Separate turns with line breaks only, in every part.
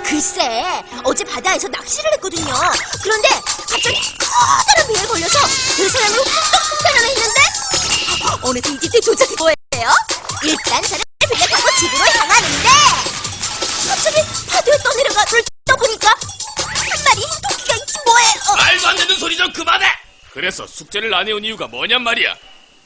글쎄, 어제 바다에서 낚시를 했거든요. 그런데 갑자기 커다란 배에 걸려서 그 사람을 훅 했는데 어느새 이 집에 도착한 거예요. 일단 저를 배에 타고 집으로 향하는데 갑자기 파도에 떠내려가 불 떠보니까 한 마리 토끼가 있지 뭐예요.
말도 안 되는 소리 좀 그만해! 그래서 숙제를 안 해온 이유가 뭐냔 말이야.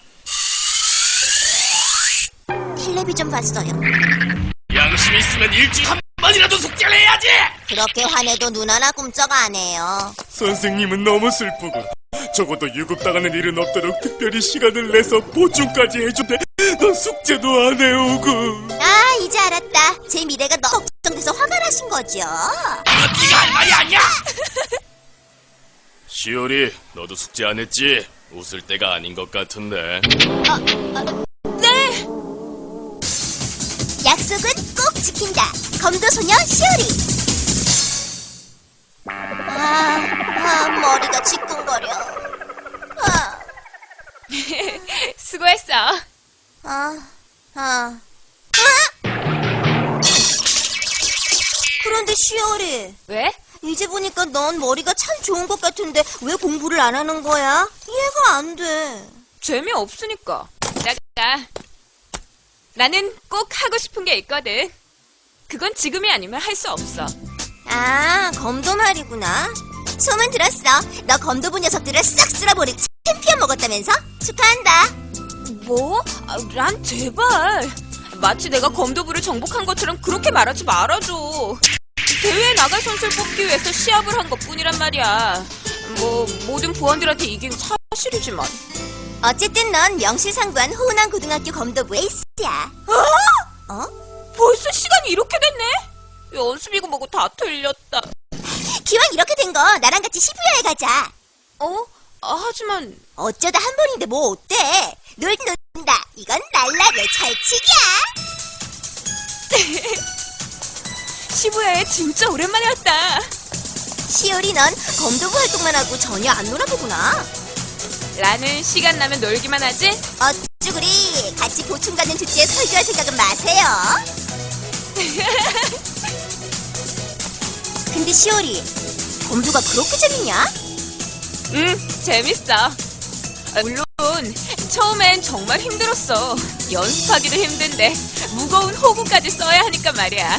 텔레비전 봤어요.
양심이 있으면 일주일에 한 번이라도 숙제를 해야지!
그렇게 화내도 눈 하나 꿈쩍 안 해요.
선생님은 너무 슬프고 적어도 유급당하는 일은 없도록 특별히 시간을 내서 보충까지 해준대. 넌 숙제도 안 해오고.
아, 이제 알았다. 제 미래가 너무 걱정돼서 화가 나신 거죠.
이건 네가 할 말이 아니야! 시오리, 너도 숙제 안 했지? 웃을 때가 아닌 것 같은데.
네! 약속은 꼭 지킨다. 검도소녀 시오리. 머리가 지끈거려.
수고했어.
그런데 시오리,
왜?
이제 보니까 넌 머리가 참 좋은 것 같은데 왜 공부를 안 하는 거야? 이해가 안 돼.
재미없으니까. 나가. 나는 꼭 하고 싶은 게 있거든. 그건 지금이 아니면 할 수 없어.
아, 검도 말이구나. 소문 들었어. 너 검도부 녀석들을 싹 쓸어버리고 챔피언 먹었다면서? 축하한다.
뭐? 란 제발. 마치 내가 검도부를 정복한 것처럼 그렇게 말하지 말아줘. 대회에 나갈 선수를 뽑기 위해서 시합을 한 것뿐이란 말이야. 뭐 모든 부원들한테 이긴 사실이지만.
어쨌든 넌 명실상부한 호남 고등학교 검도부 에이스야. 어?
벌써 시간이 이렇게 됐네? 연습이고 뭐고 다 틀렸다.
기왕 이렇게 된 거 나랑 같이 시부야에 가자.
하지만
어쩌다 한 번인데 뭐 어때? 놀긴 놀다. 이건 날라게 철칙이야.
시부야에 진짜 오랜만에 왔다.
시오리, 넌 검도부 활동만 하고 전혀 안 놀아보구나.
라는 시간 나면 놀기만 하지?
어쭈구리, 같이 보충받는 주제에 설교할 생각은 마세요. 근데 시오리, 검도가 그렇게 재밌냐?
재밌어. 물론 처음엔 정말 힘들었어. 연습하기도 힘든데 무거운 호구까지 써야 하니까 말이야.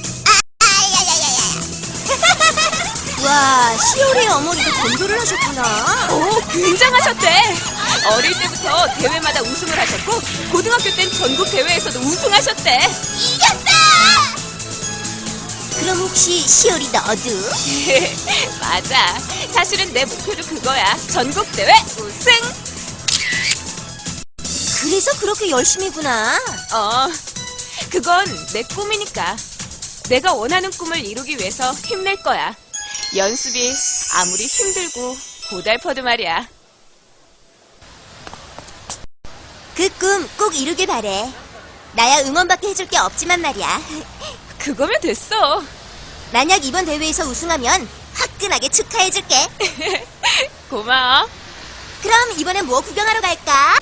와, 시오리의 어머니도 검도를 하셨구나.
오, 굉장하셨대. 어릴 때부터 대회마다 우승을 하셨고 고등학교 땐 전국 대회에서도 우승하셨대.
이겼다! 그럼 혹시 시오리 너도?
맞아. 사실은 내 목표도 그거야. 전국 대회 우승.
그래서 그렇게 열심히구나.
그건 내 꿈이니까. 내가 원하는 꿈을 이루기 위해서 힘낼 거야. 연습이 아무리 힘들고 고달퍼도 말이야.
그 꿈 꼭 이루길 바래. 나야 응원밖에 해줄 게 없지만 말이야.
그거면 됐어.
만약 이번 대회에서 우승하면 화끈하게 축하해줄게.
고마워.
그럼 이번엔 뭐 구경하러 갈까?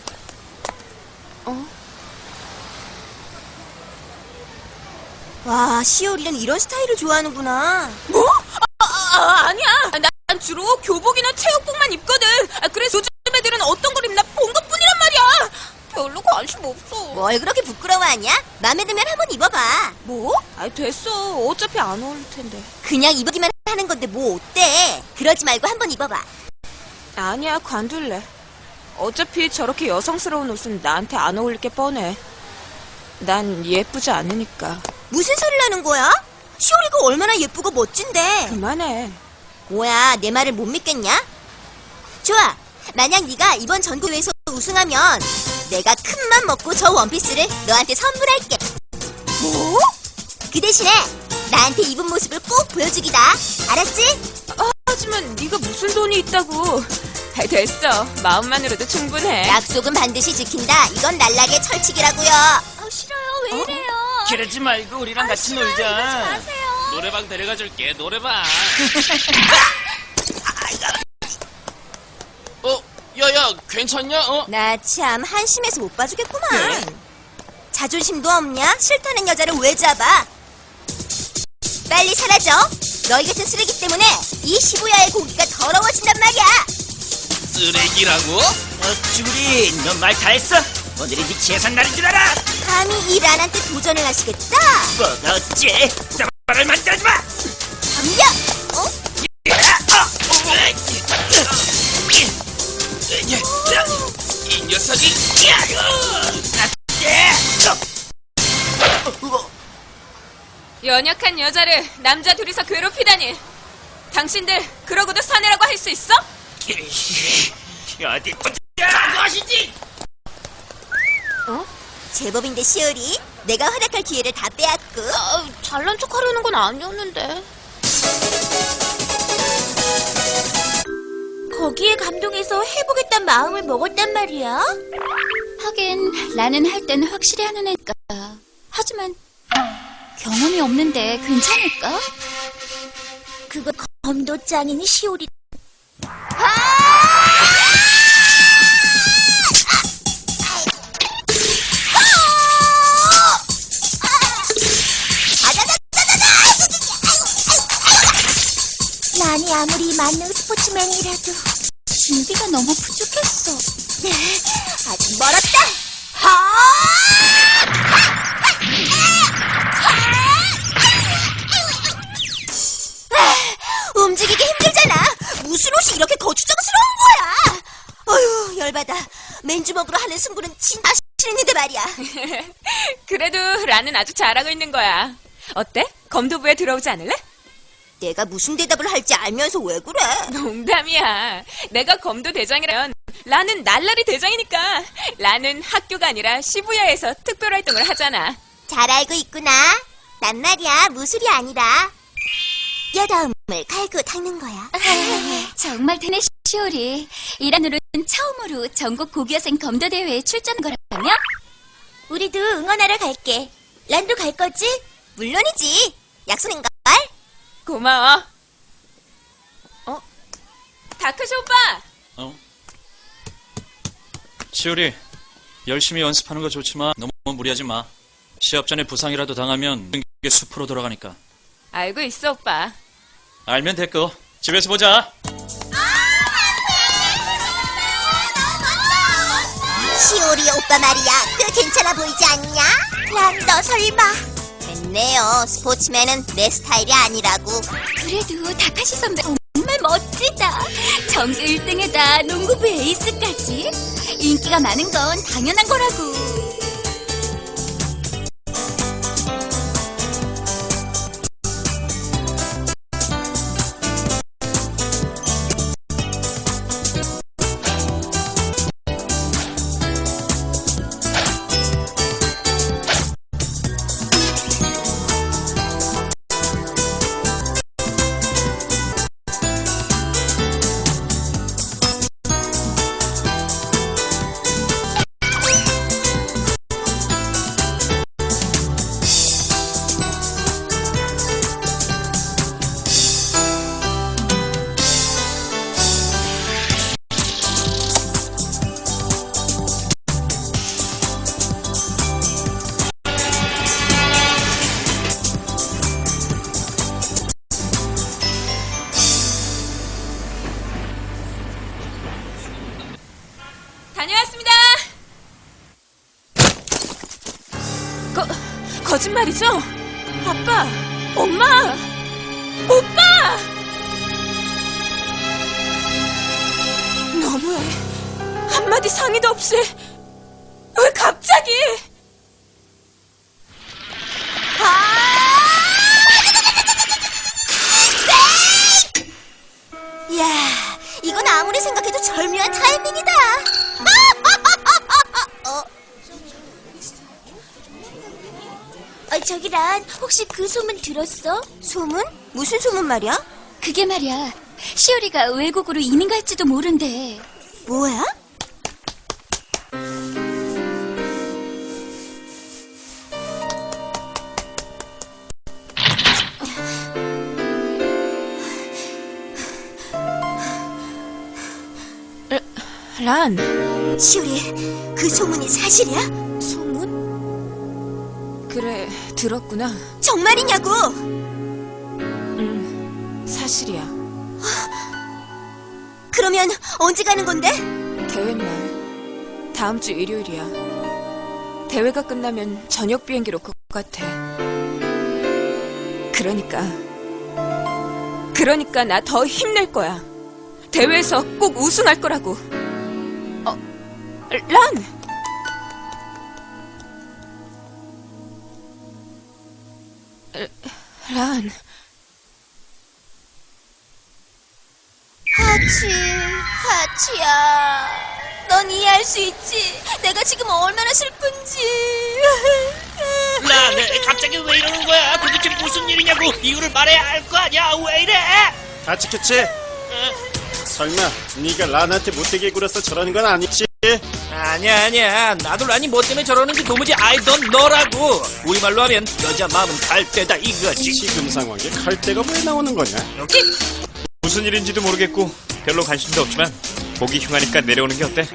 와, 시오리는 이런 스타일을 좋아하는구나.
뭐? 아니야. 난 주로 교복이나 체육복만 입거든. 그래서 요즘 애들은 어떤 걸 입나 본 것뿐이란 말이야. 별로 관심 없어.
뭘 그렇게 부끄러워하냐? 맘에 들면 한번 입어봐.
뭐? 됐어. 어차피 안 어울릴 텐데.
그냥 입기만 하는 건데 뭐 어때? 그러지 말고 한번 입어봐.
아니야, 관둘래. 어차피 저렇게 여성스러운 옷은 나한테 안 어울릴 게 뻔해. 난 예쁘지 않으니까.
무슨 소리를 하는 거야? 시오리가 얼마나 예쁘고 멋진데.
그만해.
뭐야, 내 말을 못 믿겠냐? 좋아, 만약 네가 이번 전국대회에서 우승하면 내가 큰 맘 먹고 저 원피스를 너한테 선물할게.
뭐?
그 대신에 나한테 입은 모습을 꼭 보여주기다. 알았지?
하지만 네가 무슨 돈이 있다고. 됐어. 마음만으로도 충분해.
약속은 반드시 지킨다. 이건 날라게 철칙이라고요.
싫어요. 왜 이래요?
그러지 말고 우리랑 같이 놀자.
마세요.
노래방 데려가줄게. 노래방. 야야, 괜찮냐?
나 참 한심해서 못 봐주겠구만.
네?
자존심도 없냐? 싫다는 여자를 왜 잡아? 빨리 사라져. 너희 같은 쓰레기 때문에 이 시부야의 고기가 더러워진단 말이야.
쓰레기라고? 쭈리, 넌 말 다 했어? 오늘이 네 재산 날인 줄 알아?
감히 이 란한테 도전을 하시겠다?
뭐가 어째? dabbar을 만들지 마!
덤벼! 어?
이 녀석이!
연약한 여자를 남자 둘이서 괴롭히다니. 당신들 그러고도 사내라고 할 수 있어?
어디 보자! 무엇이지?
제법인데 시오리, 내가 활약할 기회를 다 빼앗고.
잘난 척 하려는 건 아니었는데.
거기에 감동해서 해보겠단 마음을 먹었단 말이야.
하긴 나는 할 땐 확실히 하는 애니까. 하지만 경험이 없는데 괜찮을까?
그거 검도 짱인 시오리. 란이 아무리 만능 스포츠맨이라도
준비가 너무 부족했어.
아직 멀었다. 움직이기 힘들잖아. 무슨 옷이 이렇게 거추장스러운 거야? 어휴, 열받아. 맨주먹으로 하는 승부는 진짜 싫은데 말이야.
그래도 라는 아주 잘하고 있는 거야. 어때? 검도부에 들어오지 않을래?
내가 무슨 대답을 할지 알면서 왜 그래?
농담이야. 내가 검도 대장이라면 라는 날라리 대장이니까. 라는 학교가 아니라 시부야에서 특별활동을 하잖아.
잘 알고 있구나. 난 말이야, 무술이 아니라 뼈다음을 갈고 닦는 거야.
정말 되네, 시오리. 이란으로는 처음으로 전국 고교생 검도대회에 출전 거라며?
우리도 응원하러 갈게. 란도 갈 거지? 물론이지. 약속인걸?
고마워. 다크쇼 오빠!
시오리, 열심히 연습하는 거 좋지만 너무 무리하지 마. 시합 전에 부상이라도 당하면 게 숲으로 돌아가니까.
알고 있어, 오빠.
알면 됐고. 집에서 보자.
시오리 오빠 말이야, 꽤 괜찮아 보이지 않냐? 란, 너 설마? 됐네요. 스포츠맨은 내 스타일이 아니라고.
그래도 다카시 선배 정말 멋지다. 전교 1등에다 농구부 에이스까지. 인기가 많은 건 당연한 거라고.
다녀왔습니다. 거짓말이죠? 아빠, 엄마, 오빠! 너무해. 한마디 상의도 없이. 왜 갑자기?
이야, 이건 아무리 생각해도 절묘한 타이밍이다. 저기 란, 혹시 그 소문 들었어? 소문? 무슨 소문 말이야?
그게 말이야. 시오리가 외국으로 이민 갈지도 모른대.
뭐야?
란.
시오리, 그 소문이 사실이야? 소문?
그래, 들었구나.
정말이냐고?
사실이야.
그러면 언제 가는 건데?
대회 날 다음 주 일요일이야. 대회가 끝나면 저녁 비행기로 올 것 같아. 그러니까 나 더 힘낼 거야. 대회에서 꼭 우승할 거라고. 란! 란.
하치야. 넌 이해할 수 있지? 내가 지금 얼마나 슬픈지.
란, 갑자기 왜 이러는 거야? 도대체 무슨 일이냐고 이유를 말해야 할 거 아니야? 왜 이래?
다 지켰지? 설마 네가 란한테 못되게 굴어서 저러는 건 아니지?
아니야. 나도 란이 뭐 때문에 저러는지 도무지 I don't know라고. 우리말로 하면 여자 마음은 갈대다 이거지.
지금 상황에 칼대가 왜 나오는 거냐?
무슨 일인지도 모르겠고 별로 관심도 없지만 보기 흉하니까 내려오는 게 어때?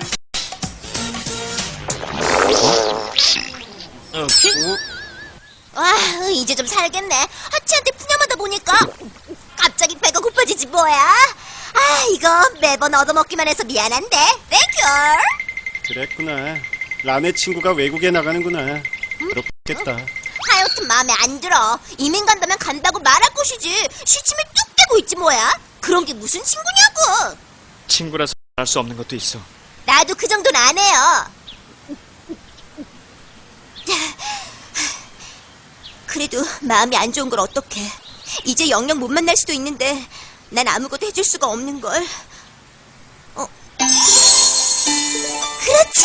와, 이제 좀 살겠네. 하치한테 푸념하다 보니까 갑자기 배가 고파지지 뭐야. 아, 이거 매번 얻어먹기만 해서 미안한데. 땡큐.
그랬구나. 란의 친구가 외국에 나가는구나. 그렇겠다.
하여튼 마음에 안 들어. 이민 간다면 간다고 말할 것이지. 시침에 뚝 떼고 있지 뭐야. 그런 게 무슨 친구냐고.
친구라서 할 수 없는 것도 있어.
나도 그 정도는 안 해요. 그래도 마음이 안 좋은 걸 어떡해. 이제 영영 못 만날 수도 있는데 난 아무것도 해줄 수가 없는 걸. 그렇지.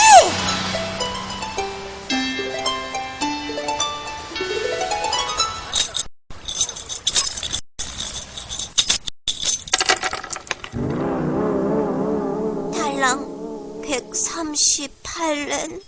달랑 138렌.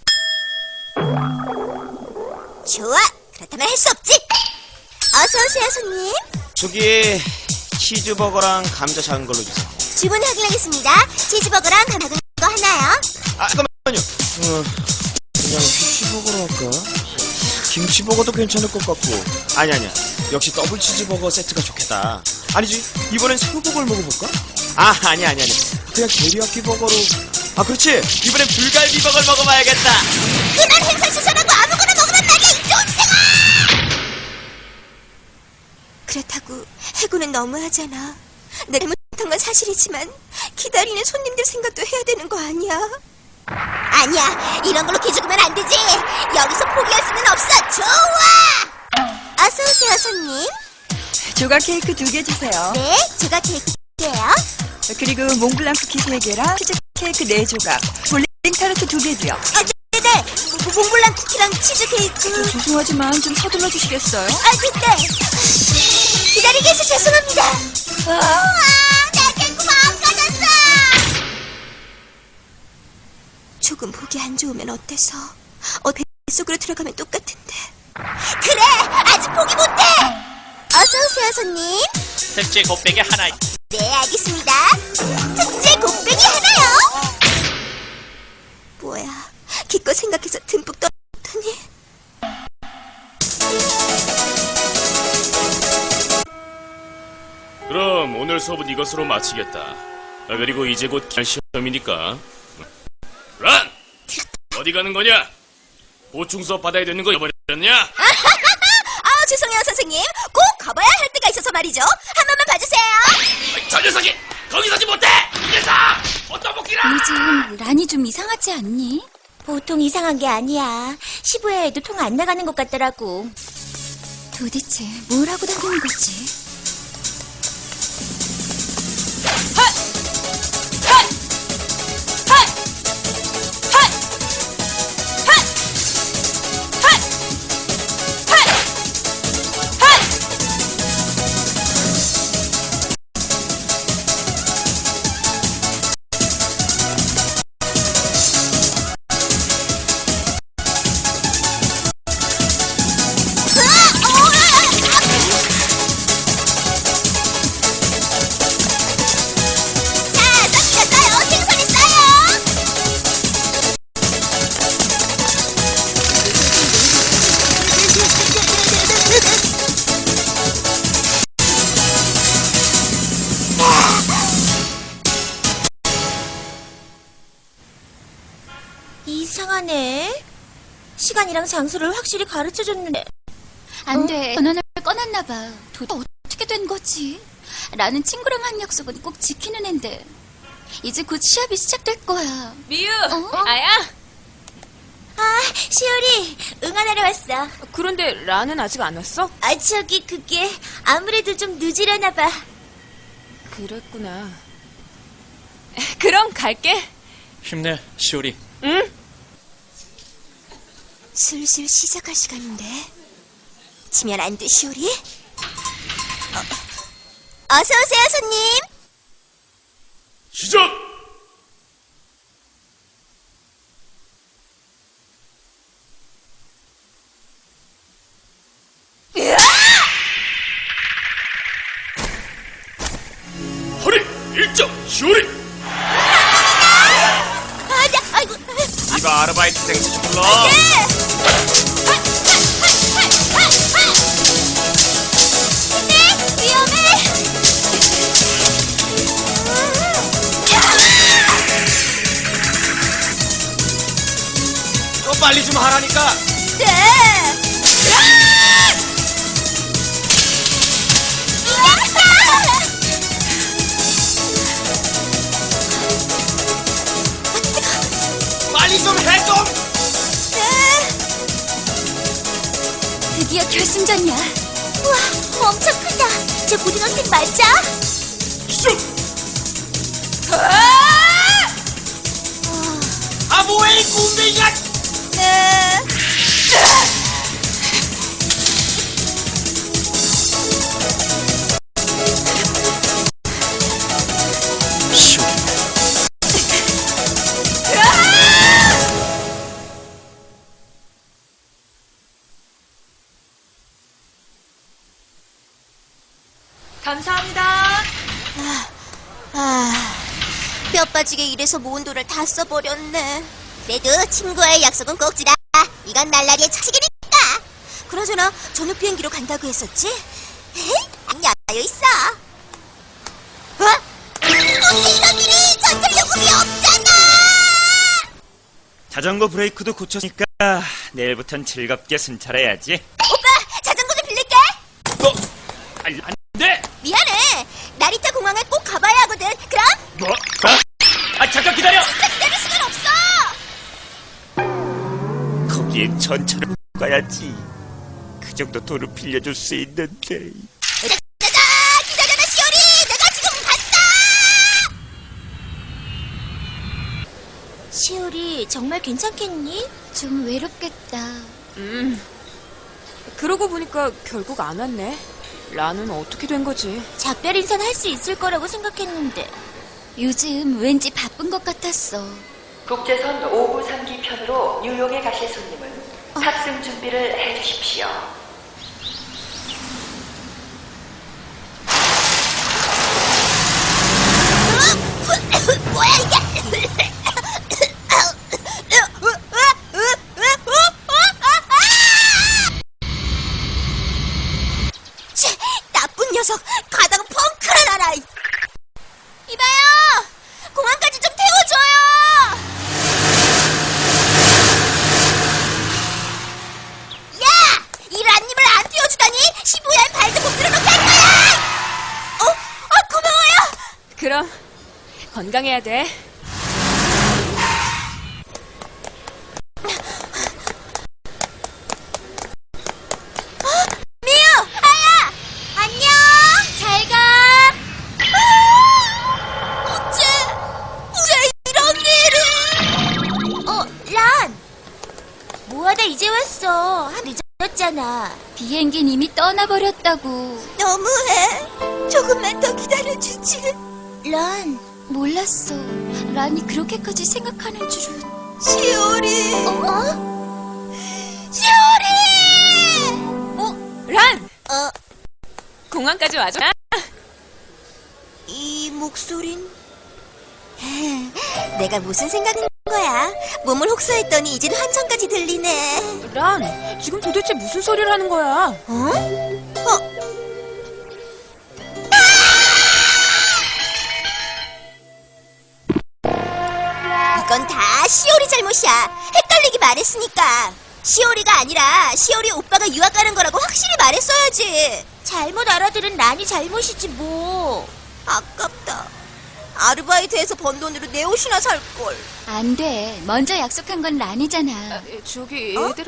좋아. 그렇다면 할 수 없지. 어서 오세요, 손님.
저기 치즈버거랑 감자 작은 걸로 주세요.
주문 확인하겠습니다. 치즈버거랑 작은 거 하나요.
아 잠깐만요. 그냥 피쉬버거로 할까? 김치버거도 괜찮을 것 같고. 아니야. 역시 더블 치즈버거 세트가 좋겠다. 아니지, 이번엔 새우버거를 먹어볼까? 아니야. 그냥 데리야끼 버거로. 그렇지. 이번엔 불갈비버거를 먹어봐야겠다.
그날 행사 수선하고 아무거나 먹으란 말이야, 이 쫀생아! 그렇다고 해고는 너무하잖아. 내가 잘못한 건 사실이지만 기다리는 손님들 생각도 해야 되는 거 아니야? 아니야, 이런 걸로 기죽으면 안 되지. 여기서 포기할 수는 없어. 좋아. 어서 오세요, 손님.
조각 케이크 2개 주세요.
네, 제가 케이크예요.
그리고 몽블랑 쿠키 3개랑 치즈 케이크 4조각, 볼링 타르트 2개도요.
네네. 몽블랑 쿠키랑 치즈 케이크.
죄송하지만 좀 서둘러 주시겠어요?
네. 기다리게 해서 죄송합니다. 우와, 내 케이크 망가졌어. 조금 보기 안 좋으면 어때서? 뱃속으로 들어가면 똑같은데. 그래, 아직 포기 못해. 어서 오세요, 손님.
특제 곱빼기 하나.
네, 알겠습니다. 특제 곱빼기 하나요. 뭐야, 기껏 생각해서 듬뿍 떨어졌더니.
그럼 오늘 수업은 이것으로 마치겠다. 그리고 이제 곧 시험이니까. 란! 어디 가는 거냐? 보충 수업 받아야 되는 거 잊어버렸냐?
죄송해요, 선생님. 꼭 가봐야 할 때가 있어서 말이죠. 한 번만 봐주세요.
저 녀석이 거기 서지 못해! 이 녀석! 어떤 복귀라!
요즘 란이 좀 이상하지 않니?
보통 이상한 게 아니야. 시부야 애도 통 안 나가는 것 같더라고.
도대체 뭘 하고 다니는 거지?
시간이랑 장소를 확실히 가르쳐줬는데.
안 돼. 전화를 꺼놨나 봐. 도대체 어떻게 된 거지? 라는 친구랑 한 약속은 꼭 지키는 앤데. 이제 곧 시합이 시작될 거야.
미유,
어?
아야.
아, 시오리, 응원하러 왔어.
그런데 란은 아직 안 왔어?
아, 저기, 그게 아무래도 좀 늦으려나 봐.
그랬구나. 그럼 갈게.
힘내, 시오리.
응?
슬슬 시작할 시간인데. 지면 안 돼, 시오리? 어서오세요, 손님.
시작! 허리 일정 시오리.
아, 아이고.
이봐, 아르바이트생 좀 불러.
위험해.
너 빨리 좀 하라니까.
네.
빨리 좀 해, 좀.
드디어 결승전이야.
우와, 엄청 크다. 저 고등학생 맞아?
슉!
아, 뭐해, 이 꿈뱅이야.
네.
시오리.
감사합니다.
뼈 빠지게 일해서 모은 돈을 다 써버렸네. 그래도 친구와의 약속은 꼭 지다. 이건 날라리의 자식이니까. 그나저나 저녁 비행기로 간다고 했었지? 안 여있어. 어떻게 이런 일이 전철요금이 없잖아.
자전거 브레이크도 고쳤으니까 내일부턴 즐겁게 순찰해야지.
오빠, 자전거 좀 빌릴게.
안 돼.
미안해. 나리타 공항에 꼭 가봐야 하거든. 그럼
뭐? 아, 잠깐 기다려.
기다릴 시간 없어.
거기에 전철을 가야지. 그 정도 돈을 빌려줄 수 있는데.
짜자자! 기다려라, 시오리! 내가 지금 갔다! 시오리, 정말 괜찮겠니?
좀 외롭겠다.
그러고 보니까 결국 안 왔네. 란은 어떻게 된 거지?
작별 인사는 할 수 있을 거라고 생각했는데.
요즘 왠지 바쁜 것 같았어.
국제선 5부 3기 편으로 뉴욕에 가실 손님은 탑승 준비를 해주십시오.
뭐야, 이게? 치, 나쁜 녀석! 가다가 펑크를 날아! 이봐요! 공항까지 좀 태워줘요! 야! 이 란님을 안 태워주다니 시부야에 발도 못 들어놓게 할 거야! 고마워요!
그럼 건강해야 돼.
미유! 아야! 안녕! 잘 가! 어째 이런 일을! 란! 뭐하다 이제 왔어. 늦었잖아.
비행기는 이미 떠나버렸다고.
너무해. 조금만 더 기다려주지. 란,
몰랐어. 란이 그렇게까지 생각하는 줄은.
시오리. 시오리!
란!
어,
공항까지 와줘.
이 목소린? 내가 무슨 생각인 거야? 몸을 혹사했더니 이젠 환청까지 들리네.
란, 지금 도대체 무슨 소리를 하는 거야?
이건 다 시오리 잘못이야. 헷갈리게 말했으니까. 시오리가 아니라 시오리 오빠가 유학 가는 거라고 확실히 말했어야지. 잘못 알아들은 란이 잘못이지 뭐. 아깝다. 아르바이트해서 번 돈으로 내 옷이나 살걸.
안 돼. 먼저 약속한 건 란이잖아.
저기 얘들아.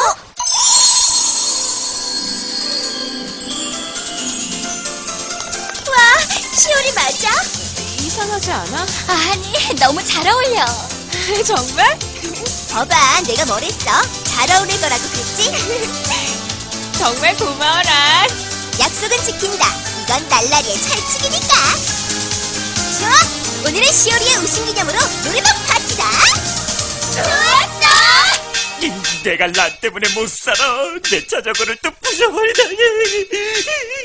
와, 시오리 맞아?
이상하지 않아?
아니, 너무 잘 어울려.
정말?
봐봐, 내가 뭘 했어? 잘 어울릴 거라고 그랬지?
정말 고마워, 란.
약속은 지킨다. 이건 날라리의 철칙이니까. 좋아! 오늘은 시오리의 우승 기념으로 노래방 파티다. 좋았어!
내가 란 때문에 못 살아. 내 자전거를 또 부셔버리다니.